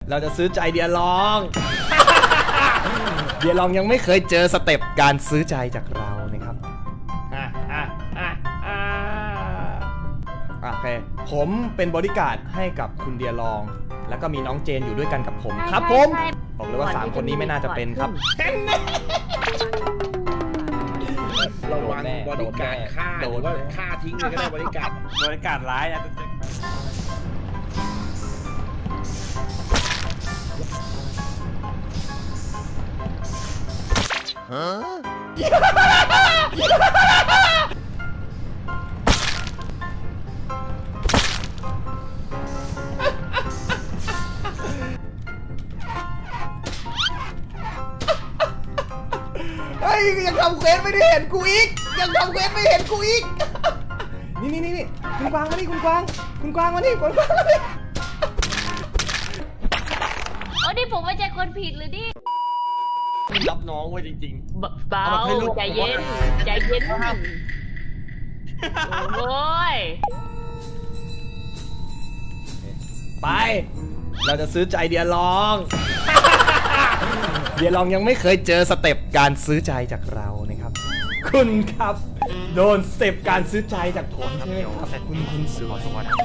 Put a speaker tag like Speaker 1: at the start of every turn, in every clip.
Speaker 1: เราจะซื้อใจเดียลอง เดียลองยังไม่เคยเจอสเต็ปการซื้อใจจากเรานะครับโอเคผมเป็นบอดี้การ์ดให้กับคุณเดียลอง แล้วก็มีน้องเจนอยู่ด้วยกันกับผมครับผมบอกเลยว่า3คนนี้ไม่น่าจะเป็นครับ
Speaker 2: ระวังบริการฆ่าหรือว่าฆ่าทิ้งเลยก็ได้บริการร้ายนะ
Speaker 1: เฮ้ยยังทำเควสไม่ได้เห็นกูอีกยังทำเควสไม่เห็นกูอีกนี่คุณกวางมานี่คุณกวางมานี่คุณกวางมานี่
Speaker 3: โอ้ดิผมไม่ใช่คนผิดหรือดิ
Speaker 2: รับน้องไว้จริง
Speaker 3: ๆเบาใจเย็นโอ้ย
Speaker 1: ไปเราจะซื้อใจเดียลอง เดียลองยังไม่เคยเจอสเต็ปการซื้อใจจากเรานะครับคุณครับโดนสเต็ปการซื้อใจจากผมใช่ไหมครับคุณสวย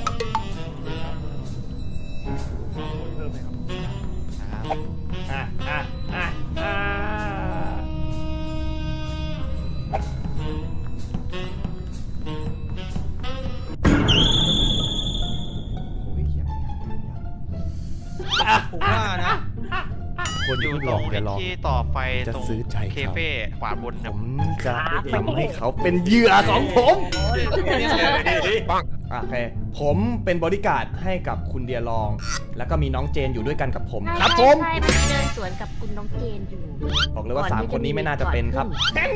Speaker 2: ผมว่านะ
Speaker 4: คนอยู่ตรงที่ต่อไฟตรงเคเฟ่ขวาบน
Speaker 1: ผมจะทำให้เขาเป็นเหยื่อของผมโอเคผมเป็นบอดี้การ์ดให้กับคุณเดียลอง แล้วก็มีน้องเจนอยู่ด้วยกันกับผมครับผม
Speaker 3: ใช่เดินสวนกับคุณน้องเจนอยู่
Speaker 1: บอกเลยว่า3คนนี้ไม่น่าจะเป็นครับ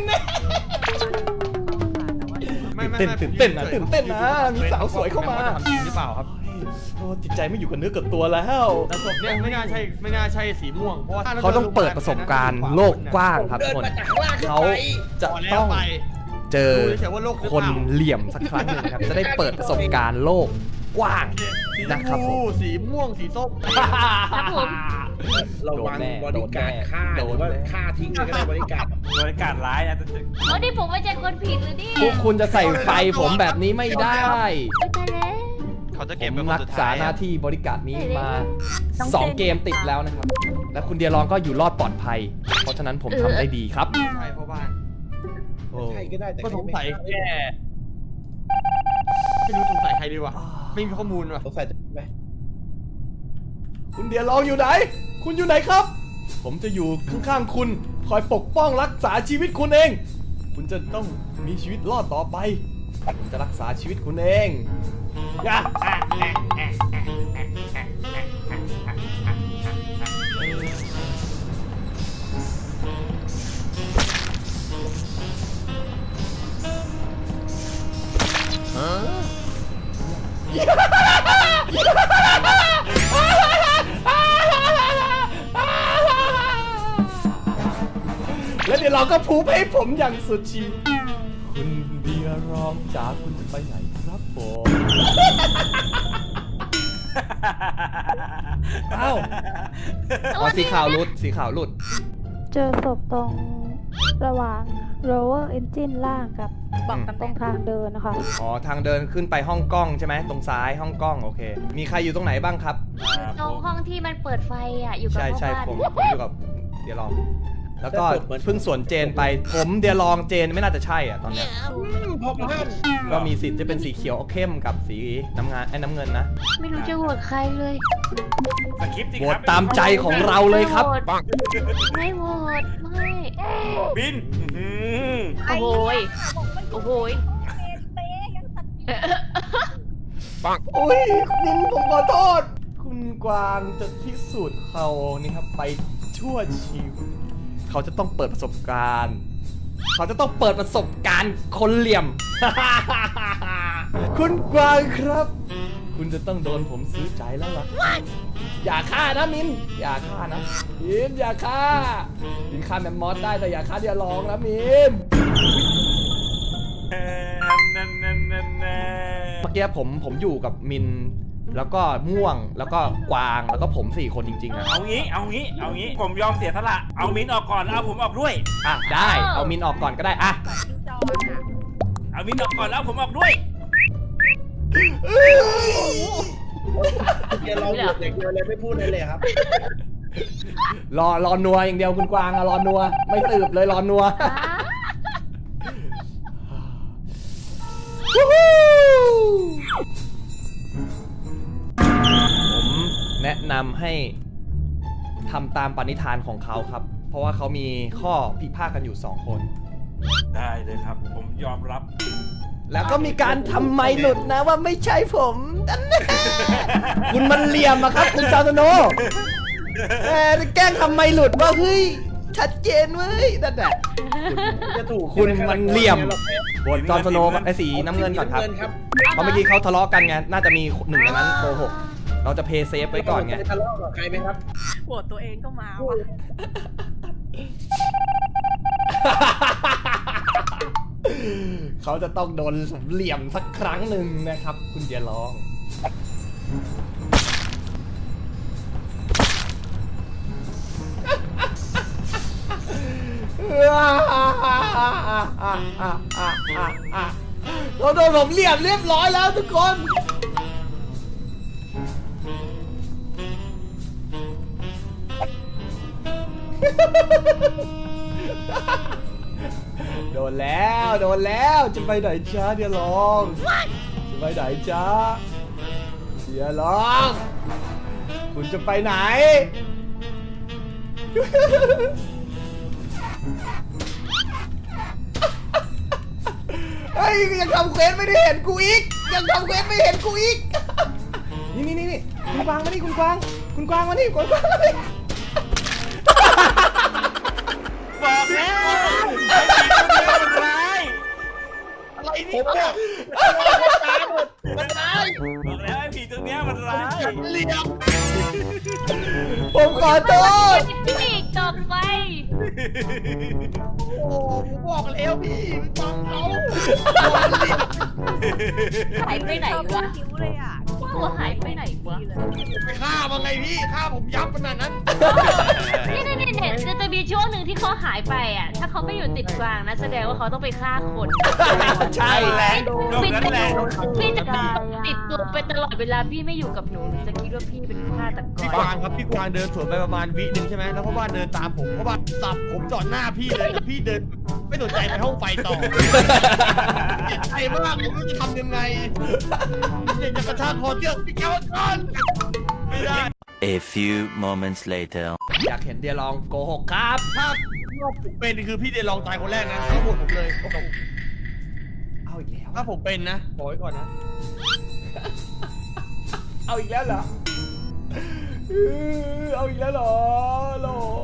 Speaker 1: ตื่นเต้นนะมีสาวสวยเข้ามา
Speaker 2: จริงหรือเปล่าครับ
Speaker 1: โอ้จิตใจไม่อยู่กับเนื้อกับตัวแล้ว
Speaker 2: แต่ศพเนี่ยไม่น่าใช่สีม่วงเพราะว่า
Speaker 1: เขาต้องเปิดประสบการณ์โลกกว้างครับทุกคนเขาจะต้องเจอคนเหลี่ยมสักครั้งหนึ่งครับจะได้เปิดประสบการณ์โลกกว้างนะครับผม
Speaker 2: สีม่วงสีส้ม
Speaker 3: ครับผม
Speaker 2: ระวังบริการฆ่าหรือว่าฆ่าทิ้งเลยก็ได้บริการร้ายนะ
Speaker 3: โอ้ดิผมไม่ใช่คนผิดหรือดิ
Speaker 1: พวกคุณจะใส่ไฟผมแบบนี้ไม่ได้
Speaker 4: เขาจะเก็บ
Speaker 1: ผมรักษาหน้าที่บริการนี้มา2เกมติดแล้วนะครับและคุณเดียรองก็อยู่รอดปลอดภัยเพราะฉะนั้นผมทำได้ดีครับ
Speaker 2: ใช่เพราะบ้านใช่ก็ได้แต่ก็สงสัยแค่ไม่รู้สงสัยใครดีวะไม่มีข้อมูลวะสงสัยไหม
Speaker 1: คุณเดียรองอยู่ไหนคุณอยู่ไหนครับผมจะอยู่ข้างๆคุณคอยปกป้องรักษาชีวิตคุณเองคุณจะต้องมีชีวิตรอดต่อไปผมจะรักษาชีวิตคุณเองแล้วเดี๋ยวเราก็พูดให้ผมอย่างสุดชีคุณเดียรองจ๋าคุณจะไปไหนครับผมอ้าวสีขาวหลุด
Speaker 5: เจอศพตรงระหว่าง lower engine ล่างกับตรงทางเดินนะคะ
Speaker 1: อ๋อทางเดินขึ้นไปห้องกล้องใช่ไหมตรงซ้ายห้องกล้องโอเคมีใครอยู่ตรงไหนบ้างครับ
Speaker 3: ตรงห้องที่มันเปิดไฟอ่ะอยู่กับ
Speaker 1: ใช่ผมอยู่กับเดี๋ยวลองแล้วก็เพิ่งสวนเจนไปผมเดียลองเจนไม่น่าจะใช่อ่ะตอนนี้ก็มีสิทธิ์จะเป็นสีเขียวเข้มกับสีน้ำเงินนะ
Speaker 3: ไม่รู้จะโหวตใครเลย
Speaker 1: โหวตตามใจของเราเลยครับ
Speaker 3: ไม่โหวตไม่
Speaker 2: บิน
Speaker 3: โอ้โห
Speaker 1: ปังโอ้ยบินผมขอโทษคุณกวางจะพิสูจน์เขานี่ครับไปชั่วชีวิตเขาจะต้องเปิดประสบการณ์คนเหลี่ยม คุณกวางครับคุณจะต้องโดนผมซื้อใจแล้วล่ะอย่าฆ่านะมินอย่าฆ่านะมินอย่าฆ่าแมมมอสได้แต่อย่าฆ่าเดียลองนะมินเมื่อกี้ผมอยู่กับมินแล้วก็ม่วงแล้วก็กวางแล้วก็ผม4คนจริงๆอะ
Speaker 6: เอางี้ ผมยอมเสียสละ เอามิ้นท์ออกก่อนแล้วเอาผมออกด้วย
Speaker 1: อ่ะได้เอามินออกก่อนก็ได้อ่ะ
Speaker 6: เอามิ้นท์ออกก่อนแล้วเอาผมออกด้วย
Speaker 2: เดี๋ยวเราหยุดอย่างเดียวเลยไม่พูดเลยครับ
Speaker 1: รอนัวอย่างเดียวคุณกวางอะรอนัวไม่สืบเลยรอนัว ผมแนะนำให้ทำตามปณิธานของเขาครับ เพราะว่าเขามีข้อพิพาทกันอยู่2คน
Speaker 6: ได้เลยครับ ผมยอมรับ
Speaker 1: แล้วก็มีการทำไมหลุดนะว่าไม่ใช่ผมนั่นแน่คุณมันเหลี่ยมอะครับ คุณจอร์โนแกล้งทำไมหลุดว่าเฮ้ยชัดเจนเว้ยนั่นแหละ
Speaker 2: จะถูก
Speaker 1: คุณมันเหลี่ยมบนจอร์โนกับไอ้สีน้ำเงินก่อนครับ
Speaker 2: ครับ
Speaker 1: เพราะเมื่อกี้เขาทะเลาะกันไง น่าจะมีหนึ่งในนั้นโกหก เราจะเพย์เซฟไว้ก่อนไง
Speaker 2: ทะเลาะกับใครไหมครับ
Speaker 7: ปวดตัวเองก็มาว่ะ
Speaker 1: เขาจะต้องโดนเหลี่ยมสักครั้งหนึ่งนะครับ คุณเดียร้อง เราโดนผมเหลี่ยมเรียบร้อยแล้วทุกคน โดนแล้วจะไปไหนจ้าเดี๋ยวลองจะไปไหนจ้าเดี๋ยวลองคุณจะไปไหน เฮ้ยยังทำเควสไม่ได้เห็นกูอีกยังทำเควสไม่เห็นกูอีก นี่คุณกวางมานี่คุณกวางมานี่คุณกวางมานี่
Speaker 6: บอกแล้วไอ้ผีตัวนี้มันร้าย
Speaker 2: อะไรนี่ผมบอกมันร้าย
Speaker 6: บอกแล้วไอ้ผีตัวนี้มันร้าย
Speaker 2: เหลี่ยม
Speaker 1: ผมขอโทษ
Speaker 3: พี่จบไป
Speaker 2: โอ้ผมบอกแล้วพี่ฟังเขา
Speaker 3: หายไปไหนวะ
Speaker 7: คิ้วเลยอ่ะ
Speaker 3: ตัวหายไปไหนวะ
Speaker 2: ไปฆ่ามาไงพี่ฆ่าผมยับขนาดนั้น
Speaker 3: นี่จะมีช่วงหนึ่งที่เขาหายไปอ่ะ ถ้าเขาไม่อยู่ติดกลางนะแสดงว่าเขาต้องไปฆ่าคน
Speaker 1: ใช่
Speaker 6: แหละตรง
Speaker 3: พี่
Speaker 6: นั้น
Speaker 3: จะ
Speaker 6: แหละ
Speaker 3: พี่จะติดตัวไปตลอดเวลาพี่ไม่อยู่กับหนูหนูจะคิดว่าพี่เป็นฆาตก
Speaker 8: พี่
Speaker 3: ร
Speaker 8: กวางครับพี่กวางเดินสวนไปประมาณวิหนึ่งใช่ไหมแล้วพ่อบ้านเดินตามผมพ่อบ้านสับผมจอดหน้าพี่เลยแล้วพี่เดินไม่สนใจไปห้องไฟต่อเจ็บใจมากผมไม่รู้จะทำยังไงอยากจะกระชากคอเชือกพี่แก้วก่อนไม่ได้
Speaker 9: A few moments later.
Speaker 1: อยากเห็นเดียลองโกหกครับ
Speaker 8: ถ้าผมเป็นคือพี่เดลองตายคนแรกนะทั้งหมดผมเลย
Speaker 1: เอาอีกแล้ว
Speaker 8: ถ้าผมเป็นนะบอกไว้ก่อนนะ
Speaker 1: เอาอีกแล้วเหรอเอาอีกแล้วเหรอโล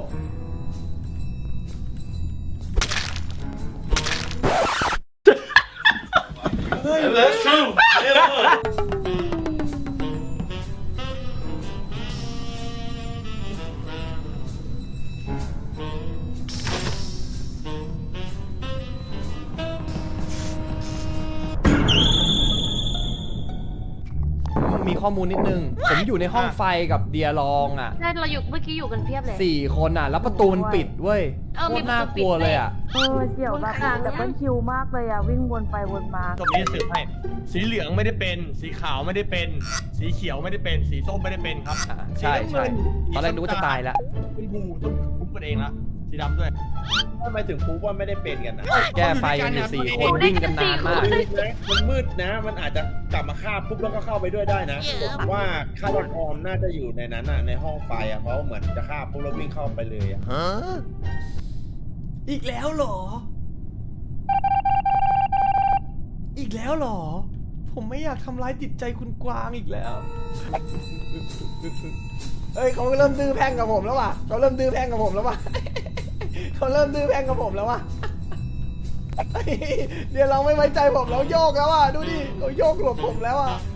Speaker 1: มีข้อมูลนิดนึง ผมอยู่ในห้องไฟกับเดียลองอ่ะ
Speaker 3: ใช่เราอยู่เมื่อกี้อยู่กันเพียบเลย
Speaker 1: 4 คนอ่ะ แล้วประตูมันปิดเว้ย
Speaker 3: เออ
Speaker 1: โค
Speaker 3: มี
Speaker 1: ตร
Speaker 3: ประตู
Speaker 1: น่ากลัว
Speaker 3: ปิด
Speaker 1: เลยอ่ะ
Speaker 5: เสี่ยวแบบดับเบิลคิวมากเลยอ่ะ วิ่งวนไปวนมา
Speaker 8: จบนี้จะสืบให้สีเหลืองไม่ได้เป็น สีขาวไม่ได้เป็น สีเขียวไม่ได้เป็น สีส้มไม่ได้เป็นครับ
Speaker 1: ใช่ตอนแรกนึกว่าจะตายแล้ว
Speaker 8: เป็นบูต้องคุ้มกันเองละสีดำด้วย
Speaker 2: ทำไมถึงพูดว่าไม่ได้เป็นกันนะ
Speaker 1: แก้ไฟกันอยู่4 คนวิ่งกันนานมาก
Speaker 2: มันมืดนะ มันอาจจะกลับมาฆ่าปุ๊บแล้วก็เข้าไปด้วยได้นะผมว่าฆาตกรน่าจะอยู่ในนั้นอ่ะในห้องไฟอ่ะเพราะเหมือนจะฆ่าปุ๊บแล้ววิ่งเข้าไปเลยอ่ะ
Speaker 1: อีกแล้วเหรอ อีกแล้วเหรอ ผมไม่อยากทำร้ายจิตใจคุณกวางอีกแล้ว เฮ้ยเขาเริ่มดื้อแพ่งกับผมแล้วว่ะเขาเริ่มดื้อแพ่งกับผมแล้วว่ะ เขาเริ่มดื้อแพ่งกับผมแล้วว่ะ เดี๋ยวเราไม่ไว้ใจผมแล้วโยกแล้วอ่ะดูดิเขาโยกหลบผมแล้วอ่ะ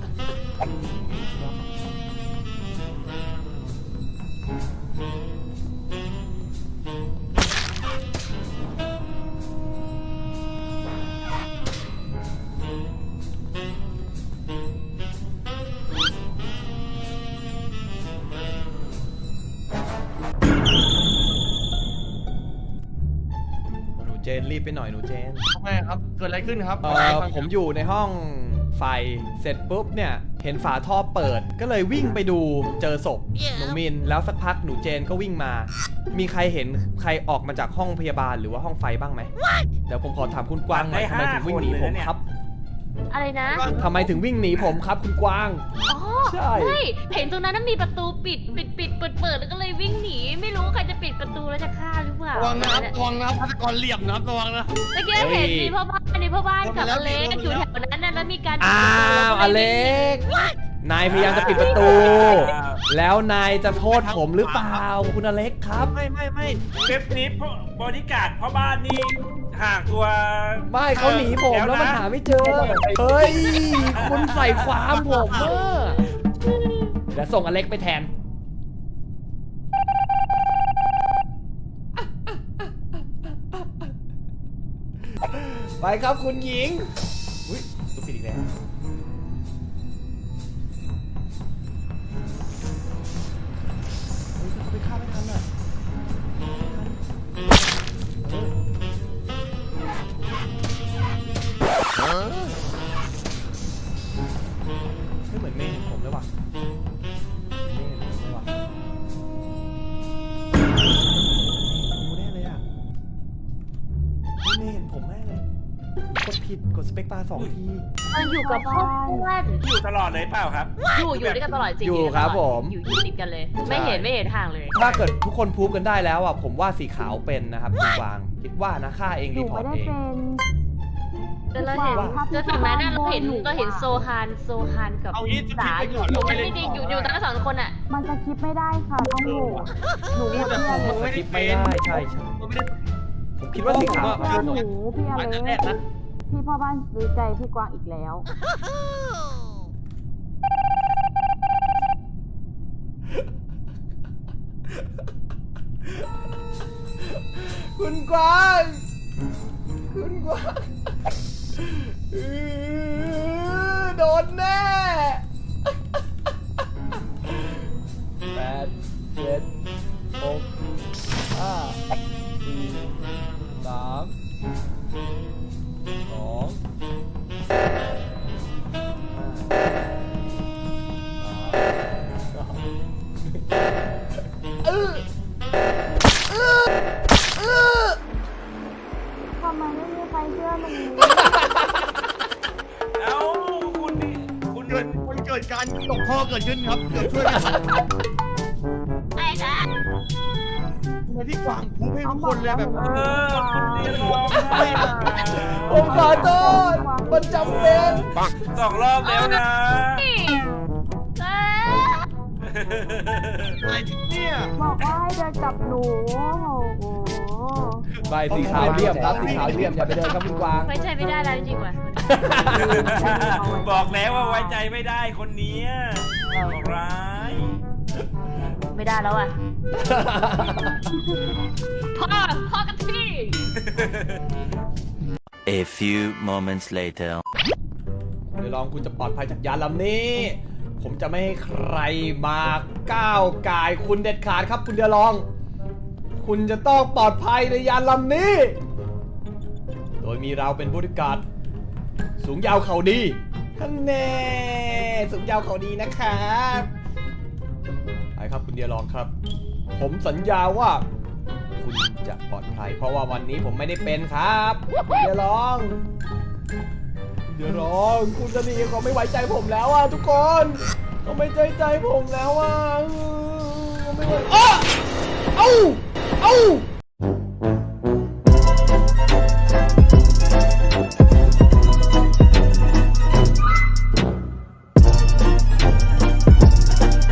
Speaker 1: จนรีบไปหน่อยหนูเจน
Speaker 8: ทำไมครับเกิดอะไรขึ้นครับ
Speaker 1: ผมอยู่ในห้องไฟเสร็จปุ๊บเนี่ยเห็นฝาท่อเปิดก็เลยวิ่งไปดูเจอศพหนูมินแล้วสักพักหนูเจนก็วิ่งมา มีใครเห็นใครออกมาจากห้องพยาบาลหรือว่าห้องไฟบ้างไหมเดี๋ยวผมขอถามคุณกวางหน่อยทำไมถึงวิ่งหนีผมครับ
Speaker 3: อะไรนะ
Speaker 1: ทำไมถึงวิ่งหนีผมครับคุณกวาง
Speaker 3: อ๋อ
Speaker 1: ใช่
Speaker 3: ไม่เห็นตรงนั้นนะมีประตูปิดเปิดแล้วก็เลยวิ่งหนีไม่รู้ใครจะปิดประตูแล้วจะฆ่าหรือเปล่า
Speaker 8: ระวังนะครับระวังนะครับฆาตกรเหลี่ยมนะครับระวังนะ
Speaker 3: เมื่อกี้เห็นมีพ่อบ้านกับอเล็กอยู่แถวนั้นนะแล้วมีการ
Speaker 1: อ้าวอเล็กนายพยายามจะปิดประตู แล้วนายจะโทษผมหรือเปล่าคุณอเล็กครับ
Speaker 6: ไม่เว็บนี้บริการดพ่อบ้านนี่ห่างตัว
Speaker 1: ไม่เขาหนีผมแล้วมันหาไม่เจอ เฮ้ย คุณใส่ความผมเมื่อเดี๋ยวส่งอเล็กไปแทน ไปครับคุณหญิง อุ้ยตุ๊กปิดอีกแล้วเฮ้ยเขาไปฆ่าไม่ทันอ่ะ ไม่เหมือนเมย์เห็นผมเลยว่ะเมย์เห็นผมเลยว่ะกูแน่เลยอ่ะเมย์เห็นผมแน่เลยกดผิดกดสเปกบาร์2 ที
Speaker 3: มันอยู่กับพ่อบ้าน
Speaker 6: อยู่ตลอดเลยเปล่าครับ
Speaker 3: อยู่ด้วยกันตลอดจริง
Speaker 1: อยู่ครับผม
Speaker 3: อยู่ติดกันเลย ไม่เห็นห่างเลย
Speaker 1: ถ้าเกิดทุกคนพูดกันได้แล้วอ่ะผมว่าสีขาวเป็นนะครับคุณกวางคิดว่านะฆ่าเอง
Speaker 5: ห
Speaker 1: รี
Speaker 5: นู
Speaker 1: พอ
Speaker 5: ไม่
Speaker 1: ร์ต
Speaker 5: ได้
Speaker 1: เอง
Speaker 5: เป็น
Speaker 3: แต่เราเห็นจนถึงแม้นั้นเราเห็นโซฮานกับ
Speaker 8: เอางี้
Speaker 3: สา
Speaker 8: ไป
Speaker 3: อ
Speaker 8: ก่
Speaker 3: ยู่
Speaker 8: อนเราไม่ได้
Speaker 3: จริงๆอยู่ทั้งสองคนอ่ะ
Speaker 5: มันจะคิดไม่ได้ค่ะต้องโหวตหนูโหวต
Speaker 8: แต่
Speaker 5: พี่
Speaker 8: ผ
Speaker 5: อ
Speaker 8: ม
Speaker 5: เล็ก
Speaker 8: ไม่ได้
Speaker 1: คิด
Speaker 8: เป็
Speaker 1: ไม่
Speaker 8: น
Speaker 1: ได้ใช่
Speaker 8: ผมไม่ได้
Speaker 1: ผมคิดว่าสีขาว
Speaker 8: ผมว่า
Speaker 5: หนูพี่อ
Speaker 8: อัน
Speaker 5: เล็
Speaker 8: นั้นแรก
Speaker 5: ก
Speaker 8: นะ
Speaker 5: พี่พ่อบ้านซื้อใจพี่กวางอีกแล้ว
Speaker 1: คุณกวางคุณกวางโดนแน่8 7 6 5 4 3 2
Speaker 5: ทำไมไม่มีใครเชื่อหนู
Speaker 6: เอ้าคุณนี่คุณ
Speaker 8: มันเกิดการตกท่อเกิดขึ้นครับเดี๋ยวช่วยกัน
Speaker 3: ไอ้นะ
Speaker 8: ทำไมพี่กวางพูดให้ทุกคนเลยแบบ
Speaker 6: คุณนี่ร้องไห้
Speaker 1: ผมขอโทษมันจำเป็น
Speaker 6: 2 รอบแล้วนะ
Speaker 8: อะไรเนี่ย
Speaker 5: บอกว่าให้เดินกับหนูโอ้โห
Speaker 1: ใบสีขาวเรียบครับสีขาวเรียบอย่าไปเดินครับคุณกวาง
Speaker 3: ไว้ใจไม่ได้แล้วจริงๆว่ะ
Speaker 6: บอกแล้วว่าไว้ใจไม่ได้คนเนี้ยบอกร้าย
Speaker 3: ไม่ได้แล้วอ่ะ พ่อกันที่
Speaker 9: A few moments later.
Speaker 1: เดี๋ยวลองคุณจะปลอดภัยจากยานลำนี้ ผมจะไม่ให้ใครมาก้าวกายคุณเด็ดขาดครับคุณเดี๋ยวลอง คุณจะต้องปลอดภัยในยานลำนี้ โดยมีเราเป็นบริการสูงยาวเขาดีท่านแน่สูงยาวเขาดีนะครับไปครับคุณเดียลองครับ ผมสัญญาว่า คุณจะปลอดภัย เพราะว่าวันนี้ผมไม่ได้เป็นครับคุณเดียลอง เดี๋ยวรอคุณจะดีเขาไม่ไว้ใจผมแล้วอ่ะทุกคนเขาไม่ใจผมแล้วอ่ะเขาไม่ไว้เอ้า